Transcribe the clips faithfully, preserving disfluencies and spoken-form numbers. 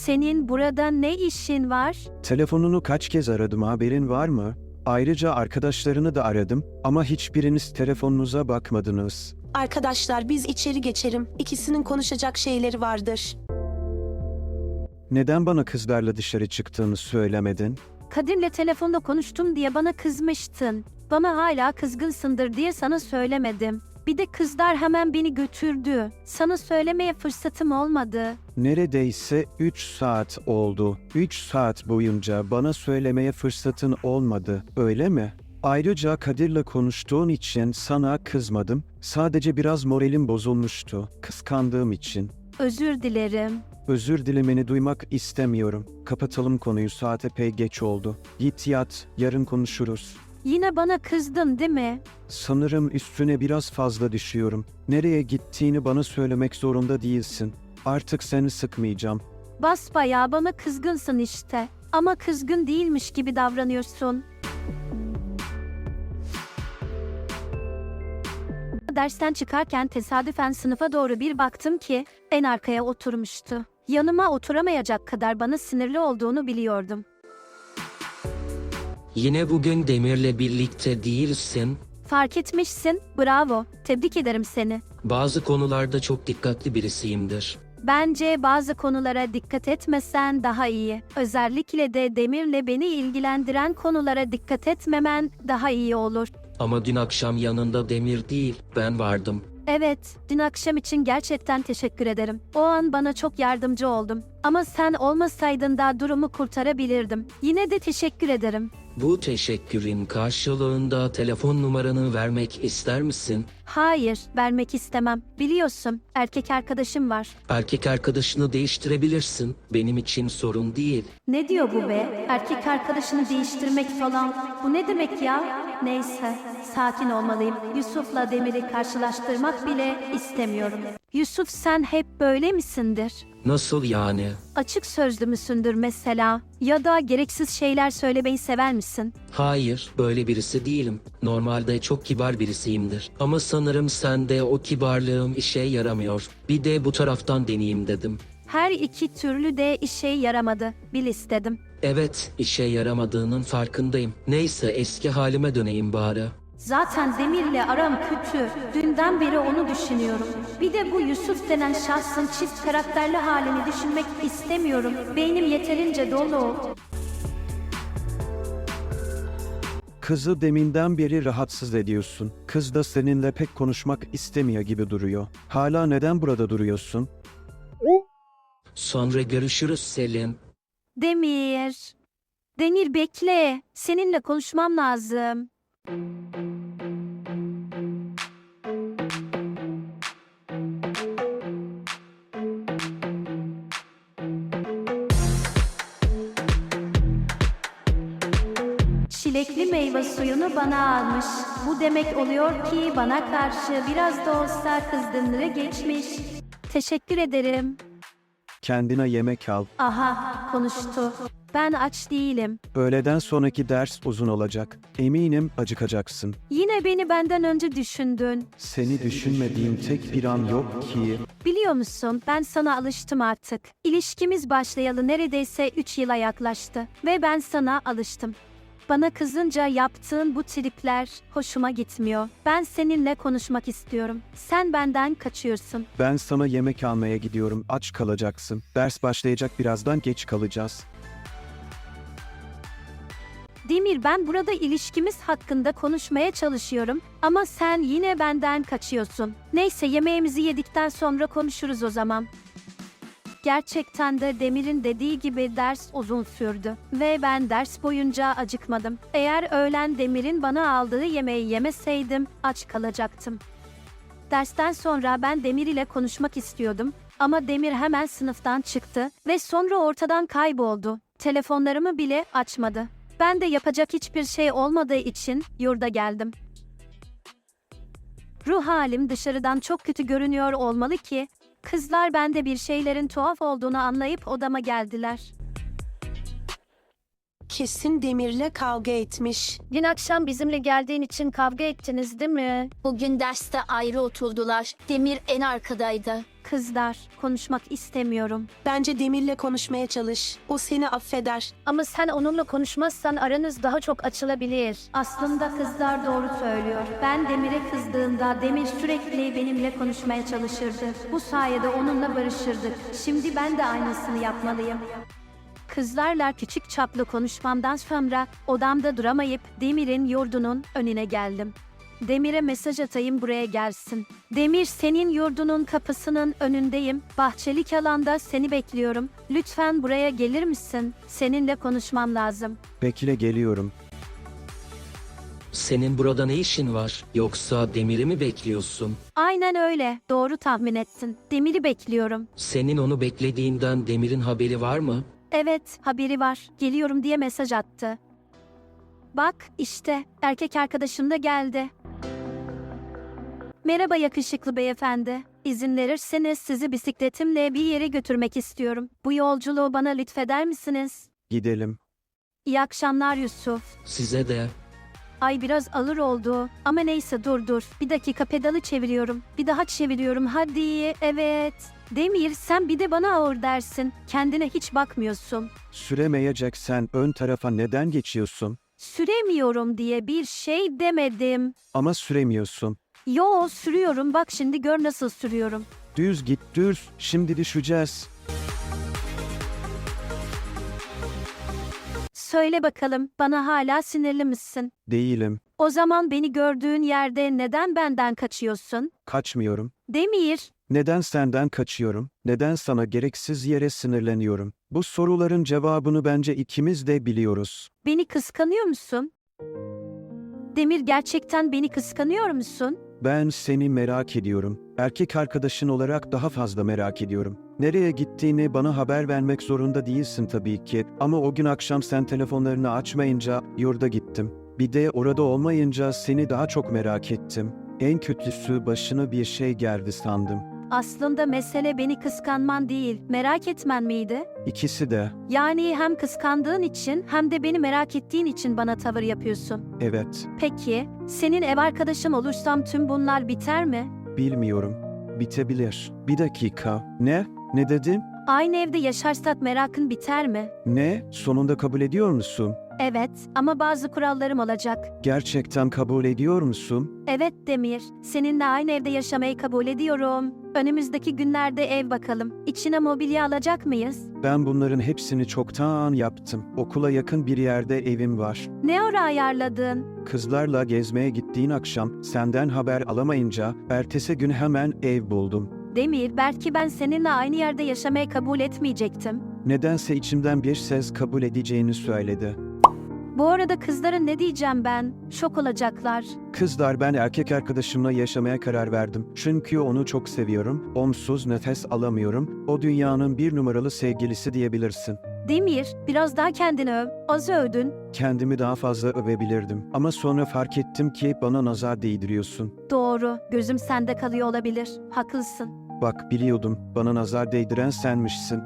Senin burada ne işin var? Telefonunu kaç kez aradım, haberin var mı? Ayrıca arkadaşlarını da aradım ama hiçbiriniz telefonunuza bakmadınız. Arkadaşlar biz içeri geçelim. İkisinin konuşacak şeyleri vardır. Neden bana kızlarla dışarı çıktığını söylemedin? Kadir'le telefonda konuştum diye bana kızmıştın. Bana hala kızgınsındır diye sana söylemedim. Bir de kızlar hemen beni götürdü. Sana söylemeye fırsatım olmadı. Neredeyse üç saat oldu. üç saat boyunca bana söylemeye fırsatın olmadı, öyle mi? Ayrıca Kadir'le konuştuğun için sana kızmadım. Sadece biraz moralim bozulmuştu, kıskandığım için. Özür dilerim. Özür dilemeni duymak istemiyorum. Kapatalım konuyu, saat epey geç oldu. Git yat, yarın konuşuruz. Yine bana kızdın değil mi? Sanırım üstüne biraz fazla düşüyorum. Nereye gittiğini bana söylemek zorunda değilsin. Artık seni sıkmayacağım. Basbayağı bana kızgınsın işte. Ama kızgın değilmiş gibi davranıyorsun. Dersten çıkarken tesadüfen sınıfa doğru bir baktım ki en arkaya oturmuştu. Yanıma oturamayacak kadar bana sinirli olduğunu biliyordum. Yine bugün Demir'le birlikte değilsin. Fark etmişsin, bravo, tebrik ederim seni. Bazı konularda çok dikkatli birisiyimdir. Bence bazı konulara dikkat etmesen daha iyi. Özellikle de Demir'le beni ilgilendiren konulara dikkat etmemen daha iyi olur. Ama dün akşam yanında Demir değil, ben vardım. Evet, dün akşam için gerçekten teşekkür ederim. O an bana çok yardımcı oldum. Ama sen olmasaydın da durumu kurtarabilirdim. Yine de teşekkür ederim. Bu teşekkürün karşılığında telefon numaranı vermek ister misin? Hayır, vermek istemem. Biliyorsun, erkek arkadaşım var. Erkek arkadaşını değiştirebilirsin. Benim için sorun değil. Ne diyor bu be? Erkek arkadaşını değiştirmek falan. Bu ne demek ya? Neyse, sakin olmalıyım. Yusuf'la Demir'i karşılaştırmak bile istemiyorum. Yusuf, sen hep böyle misindir? Nasıl yani? Açık sözlü müsündür mesela? Ya da gereksiz şeyler söylemeyi sever misin? Hayır, böyle birisi değilim. Normalde çok kibar birisiyimdir. Ama sanırım sende o kibarlığım işe yaramıyor. Bir de bu taraftan deneyeyim dedim. Her iki türlü de işe yaramadı. Bil istedim. Evet, işe yaramadığının farkındayım. Neyse, eski halime döneyim bari. Zaten Demir'le aram kötü. Dünden beri onu düşünüyorum. Bir de bu Yusuf denen şahsın çift karakterli halini düşünmek istemiyorum. Beynim yeterince dolu. Kızı deminden beri rahatsız ediyorsun. Kız da seninle pek konuşmak istemiyor gibi duruyor. Hala neden burada duruyorsun? Sonra görüşürüz Selin. Demir. Demir bekle. Seninle konuşmam lazım. Çilekli meyve suyunu bana almış. Bu demek oluyor ki bana karşı biraz da olsa kızgınlığı geçmiş. Teşekkür ederim. Kendine yemek al. Aha, konuştu. Ben aç değilim. Öğleden sonraki ders uzun olacak. Eminim acıkacaksın. Yine beni benden önce düşündün. Seni düşünmediğim tek bir an yok ki. Biliyor musun, ben sana alıştım artık. İlişkimiz başlayalı neredeyse üç yıla yaklaştı. Ve ben sana alıştım. Bana kızınca yaptığın bu tripler hoşuma gitmiyor. Ben seninle konuşmak istiyorum. Sen benden kaçıyorsun. Ben sana yemek almaya gidiyorum. Aç kalacaksın. Ders başlayacak, birazdan geç kalacağız. Demir, ben burada ilişkimiz hakkında konuşmaya çalışıyorum ama sen yine benden kaçıyorsun. Neyse, yemeğimizi yedikten sonra konuşuruz o zaman. Gerçekten de Demir'in dediği gibi ders uzun sürdü ve ben ders boyunca acıkmadım. Eğer öğlen Demir'in bana aldığı yemeği yemeseydim aç kalacaktım. Dersten sonra ben Demir ile konuşmak istiyordum ama Demir hemen sınıftan çıktı ve sonra ortadan kayboldu. Telefonlarımı bile açmadı. Ben de yapacak hiçbir şey olmadığı için yurda geldim. Ruh halim dışarıdan çok kötü görünüyor olmalı ki kızlar bende bir şeylerin tuhaf olduğunu anlayıp odama geldiler. Kesin Demir'le kavga etmiş. Dün akşam bizimle geldiğin için kavga ettiniz değil mi? Bugün derste ayrı oturdular. Demir en arkadaydı. Kızlar, konuşmak istemiyorum. Bence Demir'le konuşmaya çalış. O seni affeder. Ama sen onunla konuşmazsan aranız daha çok açılabilir. Aslında kızlar doğru söylüyor. Ben Demir'e kızdığımda Demir sürekli benimle konuşmaya çalışırdı. Bu sayede onunla barışırdık. Şimdi ben de aynısını yapmalıyım. Kızlarla küçük çaplı konuşmamdan sonra odamda duramayıp Demir'in yurdunun önüne geldim. Demir'e mesaj atayım buraya gelsin. Demir, senin yurdunun kapısının önündeyim. Bahçelik alanda seni bekliyorum. Lütfen buraya gelir misin? Seninle konuşmam lazım. Bekle, geliyorum. Senin burada ne işin var? Yoksa Demir'i mi bekliyorsun? Aynen öyle. Doğru tahmin ettin. Demir'i bekliyorum. Senin onu beklediğinden Demir'in haberi var mı? Evet, haberi var. Geliyorum diye mesaj attı. Bak, işte erkek arkadaşım da geldi. Merhaba yakışıklı beyefendi. İzin verirseniz sizi bisikletimle bir yere götürmek istiyorum. Bu yolculuğu bana lütfeder misiniz? Gidelim. İyi akşamlar Yusuf. Size de. Ay biraz ağır oldu. Ama neyse dur dur. Bir dakika pedalı çeviriyorum. Bir daha çeviriyorum. Hadi. Evet. Demir, sen bir de bana ağır dersin. Kendine hiç bakmıyorsun. Süremeyeceksen ön tarafa neden geçiyorsun? Süremiyorum diye bir şey demedim. Ama süremiyorsun. Yo, sürüyorum. Bak şimdi gör nasıl sürüyorum. Düz git, düz. Şimdi düşeceğiz. Söyle bakalım, bana hala sinirli misin? Değilim. O zaman beni gördüğün yerde neden benden kaçıyorsun? Kaçmıyorum. Demir, Neden senden kaçıyorum? Neden sana gereksiz yere sinirleniyorum? Bu soruların cevabını bence ikimiz de biliyoruz. beni kıskanıyor musun? Demir, gerçekten beni kıskanıyor musun? Ben seni merak ediyorum. Erkek arkadaşın olarak daha fazla merak ediyorum. Nereye gittiğini bana haber vermek zorunda değilsin tabii ki. Ama o gün akşam sen telefonlarını açmayınca yurda gittim. Bir de orada olmayınca seni daha çok merak ettim. En kötüsü başına bir şey geldi sandım. Aslında mesele beni kıskanman değil, merak etmen miydi? İkisi de. Yani hem kıskandığın için hem de beni merak ettiğin için bana tavır yapıyorsun. Evet. Peki, senin ev arkadaşın olursam tüm bunlar biter mi? Bilmiyorum. Bitebilir. Bir dakika. Ne? Ne dedin? Aynı evde yaşarsak merakın biter mi? Ne? Sonunda kabul ediyor musun? Evet, ama bazı kurallarım olacak. Gerçekten kabul ediyor musun? Evet Demir, seninle aynı evde yaşamayı kabul ediyorum. Önümüzdeki günlerde ev bakalım. İçine mobilya alacak mıyız? Ben bunların hepsini çoktan yaptım. Okula yakın bir yerde evim var. Ne ara ayarladın? Kızlarla gezmeye gittiğin akşam senden haber alamayınca ertesi gün hemen ev buldum. Demir, belki ben seninle aynı yerde yaşamayı kabul etmeyecektim. Nedense içimden bir ses kabul edeceğini söyledi. Bu arada kızlara ne diyeceğim ben? Şok olacaklar. Kızlar, ben erkek arkadaşımla yaşamaya karar verdim. Çünkü onu çok seviyorum. Onsuz nefes alamıyorum. O dünyanın bir numaralı sevgilisi diyebilirsin. Demir, biraz daha kendini öv. Az övdün. Kendimi daha fazla övebilirdim. Ama sonra fark ettim ki bana nazar değdiriyorsun. Doğru, gözüm sende kalıyor olabilir. Haklısın. Bak, biliyordum. Bana nazar değdiren senmişsin.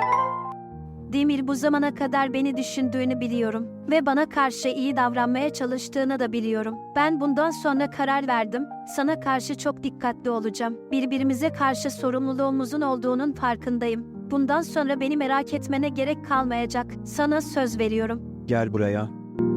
Demir, bu zamana kadar beni düşündüğünü biliyorum ve bana karşı iyi davranmaya çalıştığını da biliyorum. Ben bundan sonra karar verdim. Sana karşı çok dikkatli olacağım. Birbirimize karşı sorumluluğumuzun olduğunun farkındayım. Bundan sonra beni merak etmene gerek kalmayacak. Sana söz veriyorum. Gel buraya.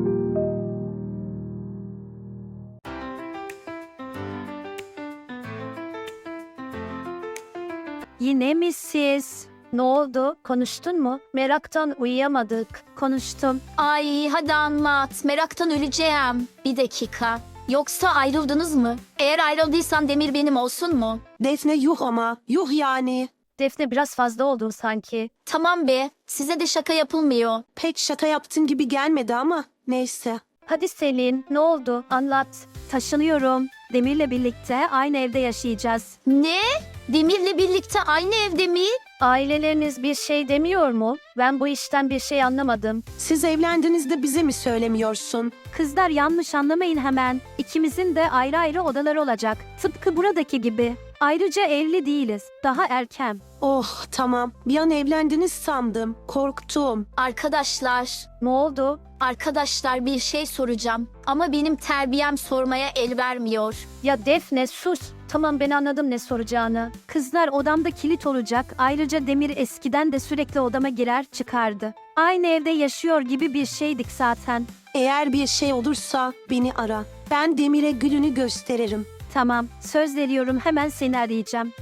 Yine mi siz? Ne oldu? Konuştun mu? Meraktan uyuyamadık. Konuştum. Ay hadi anlat. Meraktan öleceğim. Bir dakika. Yoksa ayrıldınız mı? Eğer ayrıldıysan Demir benim olsun mu? Defne yuh ama. Yuh yani. Defne, biraz fazla oldun sanki. Tamam be. Size de şaka yapılmıyor. Pek şaka yaptın gibi gelmedi ama neyse. Hadi Selin, ne oldu? Anlat. Taşınıyorum. Demir'le birlikte aynı evde yaşayacağız. Ne? Demir'le birlikte aynı evde mi? Aileleriniz bir şey demiyor mu? Ben bu işten bir şey anlamadım. Siz evlendiğinizde bize mi söylemiyorsun? Kızlar, yanlış anlamayın hemen. İkimizin de ayrı ayrı odaları olacak. Tıpkı buradaki gibi. Ayrıca evli değiliz. Daha erken. Oh tamam. Bir an evlendiniz sandım. Korktum. Arkadaşlar, Ne oldu? arkadaşlar bir şey soracağım. Ama benim terbiyem sormaya el vermiyor. Ya Defne sus. Tamam ben anladım ne soracağını. Kızlar odamda kilit olacak. Ayrıca Demir eskiden de sürekli odama girer çıkardı. Aynı evde yaşıyor gibi bir şeydik zaten. Eğer bir şey olursa beni ara. Ben Demir'e gülünü gösteririm. Tamam söz veriyorum hemen seni arayacağım.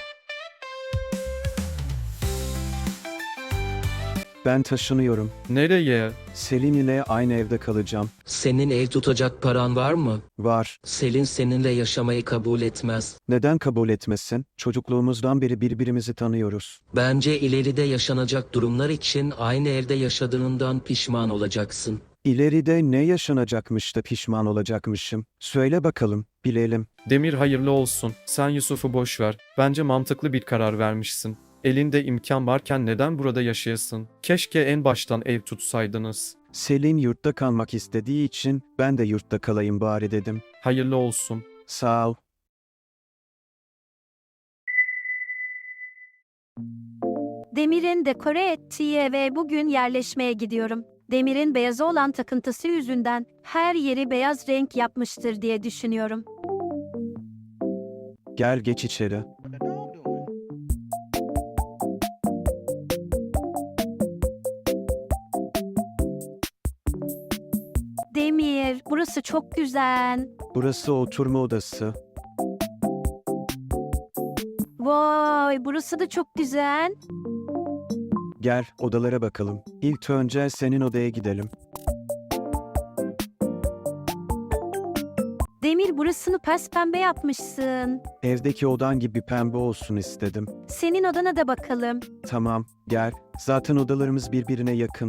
Ben taşınıyorum. Nereye? Selin ile aynı evde kalacağım. Senin ev tutacak paran var mı? Var. Selin seninle yaşamayı kabul etmez. Neden kabul etmesin? Çocukluğumuzdan beri birbirimizi tanıyoruz. Bence ileride yaşanacak durumlar için aynı evde yaşadığından pişman olacaksın. İleride ne yaşanacakmış da pişman olacakmışım? Söyle bakalım, bilelim. Demir hayırlı olsun. Sen Yusuf'u boş ver. Bence mantıklı bir karar vermişsin. Elinde imkan varken neden burada yaşayasın? Keşke en baştan ev tutsaydınız. Selin yurtta kalmak istediği için ben de yurtta kalayım bari dedim. Hayırlı olsun. Sağ ol. Demir'in dekore ettiği eve bugün yerleşmeye gidiyorum. Demir'in beyaza olan takıntısı yüzünden her yeri beyaz renk yapmıştır diye düşünüyorum. Gel geç içeri. Demir, burası çok güzel. Burası oturma odası. Vay, burası da çok güzel. Gel odalara bakalım. İlk önce senin odaya gidelim. Demir, burasını pembe yapmışsın. Evdeki odan gibi pembe olsun istedim. Senin odana da bakalım. Tamam, gel. Zaten odalarımız birbirine yakın.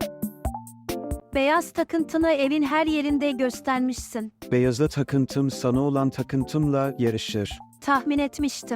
Beyaz takıntını evin her yerinde göstermişsin. Beyaza takıntım sana olan takıntımla yarışır. Tahmin etmiştim.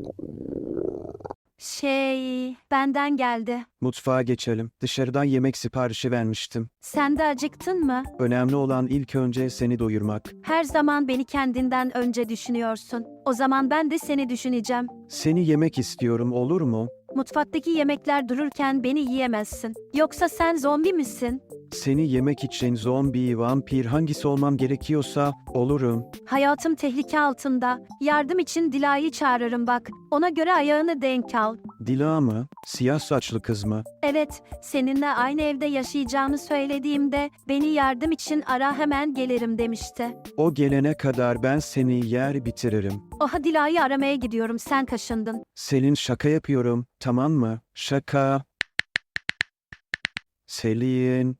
Şey, benden geldi. Mutfağa geçelim. Dışarıdan yemek siparişi vermiştim. Sen de acıktın mı? Önemli olan ilk önce seni doyurmak. Her zaman beni kendinden önce düşünüyorsun. O zaman ben de seni düşüneceğim. Seni yemek istiyorum, olur mu? Mutfaktaki yemekler dururken beni yiyemezsin. Yoksa sen zombi misin? Seni yemek için zombi, vampir hangisi olmam gerekiyorsa olurum. Hayatım tehlike altında. Yardım için Dila'yı çağırırım bak. Ona göre ayağını denk al. Dila mı? Siyah saçlı kız mı? Evet, seninle aynı evde yaşayacağımı söylediğimde beni yardım için ara hemen gelirim demişti. O gelene kadar ben seni yer bitiririm. Oha Dila'yı aramaya gidiyorum, sen kaşındın. Selin şaka yapıyorum, tamam mı? Şaka. Selin.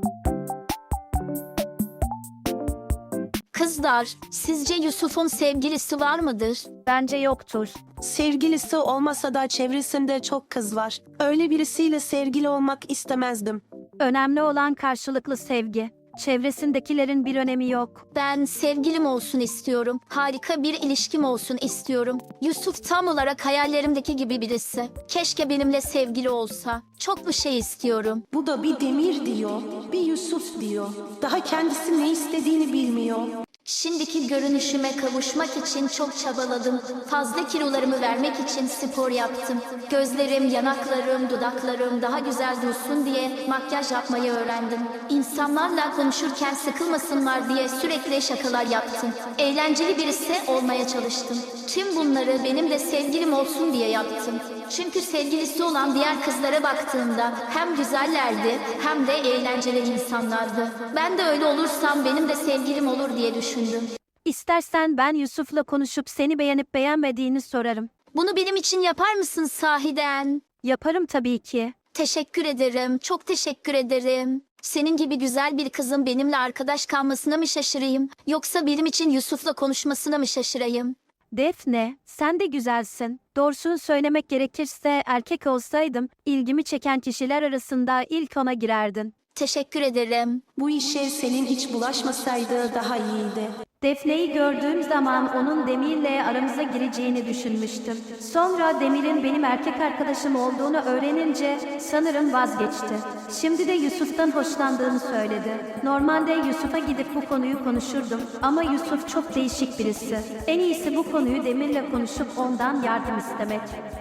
Kızlar, sizce Yusuf'un sevgilisi var mıdır? Bence yoktur. Sevgilisi olmasa da çevresinde çok kız var. Öyle birisiyle sevgili olmak istemezdim. Önemli olan karşılıklı sevgi. Çevresindekilerin bir önemi yok. Ben sevgilim olsun istiyorum. Harika bir ilişkim olsun istiyorum. Yusuf tam olarak hayallerimdeki gibi birisi. Keşke benimle sevgili olsa. Çok bir şey istiyorum. Bu da bir Demir diyor, bir Yusuf diyor. Daha kendisi ne istediğini bilmiyor. Şimdiki görünüşüme kavuşmak için çok çabaladım. Fazla kilolarımı vermek için spor yaptım. Gözlerim, yanaklarım, dudaklarım daha güzel dursun diye makyaj yapmayı öğrendim. İnsanlarla konuşurken sıkılmasınlar diye sürekli şakalar yaptım. Eğlenceli birisi olmaya çalıştım. Tüm bunları benim de sevgilim olsun diye yaptım. Çünkü sevgilisi olan diğer kızlara baktığımda hem güzellerdi hem de eğlenceli insanlardı. Ben de öyle olursam benim de sevgilim olur diye düşündüm. İstersen ben Yusuf'la konuşup seni beğenip beğenmediğini sorarım. Bunu benim için yapar mısın sahiden? Yaparım tabii ki. Teşekkür ederim, çok teşekkür ederim. Senin gibi güzel bir kızın benimle arkadaş kalmasına mı şaşırayım? Yoksa benim için Yusuf'la konuşmasına mı şaşırayım? Defne, sen de güzelsin. Doğrusunu söylemek gerekirse erkek olsaydım ilgimi çeken kişiler arasında ilk ona girerdin. Teşekkür ederim. Bu işe Selin hiç bulaşmasaydı daha iyiydi. Defne'yi gördüğüm zaman onun Demir'le aramıza gireceğini düşünmüştüm. Sonra Demir'in benim erkek arkadaşım olduğunu öğrenince sanırım vazgeçti. Şimdi de Yusuf'tan hoşlandığını söyledi. Normalde Yusuf'a gidip bu konuyu konuşurdum ama Yusuf çok değişik birisi. En iyisi bu konuyu Demir'le konuşup ondan yardım istemek.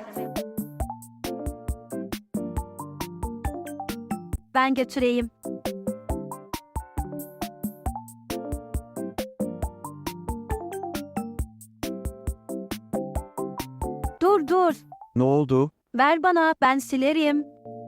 Ben götüreyim. Dur dur. Ne oldu? Ver bana, ben silerim.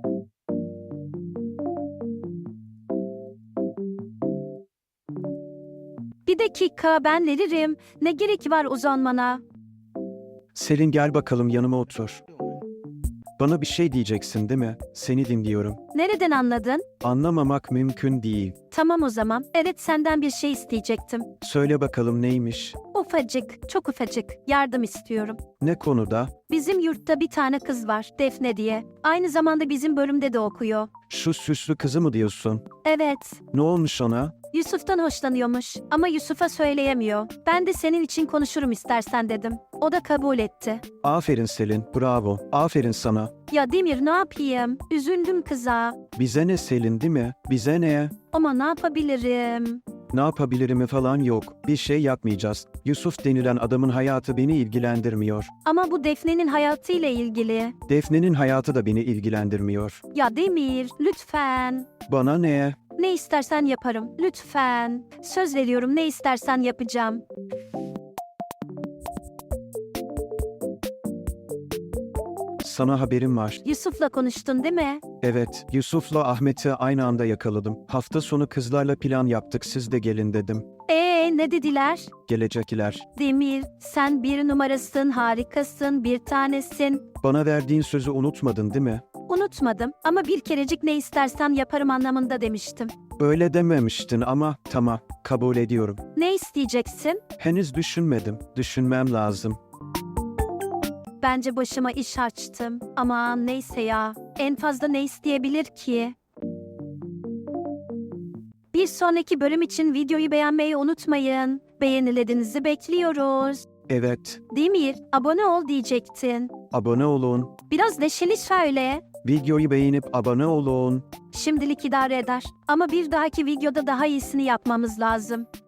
Bir dakika, ben veririm. Ne gerek var uzanmana? Selin gel bakalım yanıma otur. Bana bir şey diyeceksin değil mi? Seni dinliyorum. Nereden anladın? Anlamamak mümkün değil. Tamam o zaman. Evet, senden bir şey isteyecektim. Söyle bakalım neymiş? Ufacık, çok ufacık. Yardım istiyorum. Ne konuda? Bizim yurtta bir tane kız var, Defne diye. Aynı zamanda bizim bölümde de okuyor. Şu süslü kızı mı diyorsun? Evet, Ne olmuş ona? Yusuf'tan hoşlanıyormuş ama Yusuf'a söyleyemiyor. Ben de senin için konuşurum istersen dedim. O da kabul etti. Aferin Selin, bravo. Aferin sana. Ya Demir, ne yapayım? Üzüldüm kıza. Bize ne Selin değil mi? Bize ne? Ama ne yapabilirim? Ne yapabilirim falan yok. Bir şey yapmayacağız. Yusuf denilen adamın hayatı beni ilgilendirmiyor. Ama bu Defne'nin hayatıyla ilgili. Defne'nin hayatı da beni ilgilendirmiyor. Ya Demir, lütfen. Bana ne? Ne istersen yaparım. Lütfen. Söz veriyorum, ne istersen yapacağım. Sana haberim var. Yusuf'la konuştun değil mi? Evet, Yusuf'la Ahmet'i aynı anda yakaladım. Hafta sonu kızlarla plan yaptık, siz de gelin dedim. Ee, ne dediler? Gelecekler. Demir, sen bir numarasın, harikasın, bir tanesin. Bana verdiğin sözü unutmadın değil mi? Unutmadım ama bir kerecik ne istersen yaparım anlamında demiştim. Öyle dememiştin ama tamam, kabul ediyorum. Ne isteyeceksin? Henüz düşünmedim, düşünmem lazım. Bence başıma iş açtım. Aman neyse ya. En fazla ne isteyebilir ki? Bir sonraki bölüm için videoyu beğenmeyi unutmayın. Beğenilerinizi bekliyoruz. Evet, Demir, abone ol diyecektin. abone olun. Biraz neşeli söyle. Videoyu beğenip abone olun. Şimdilik idare eder. Ama bir dahaki videoda daha iyisini yapmamız lazım.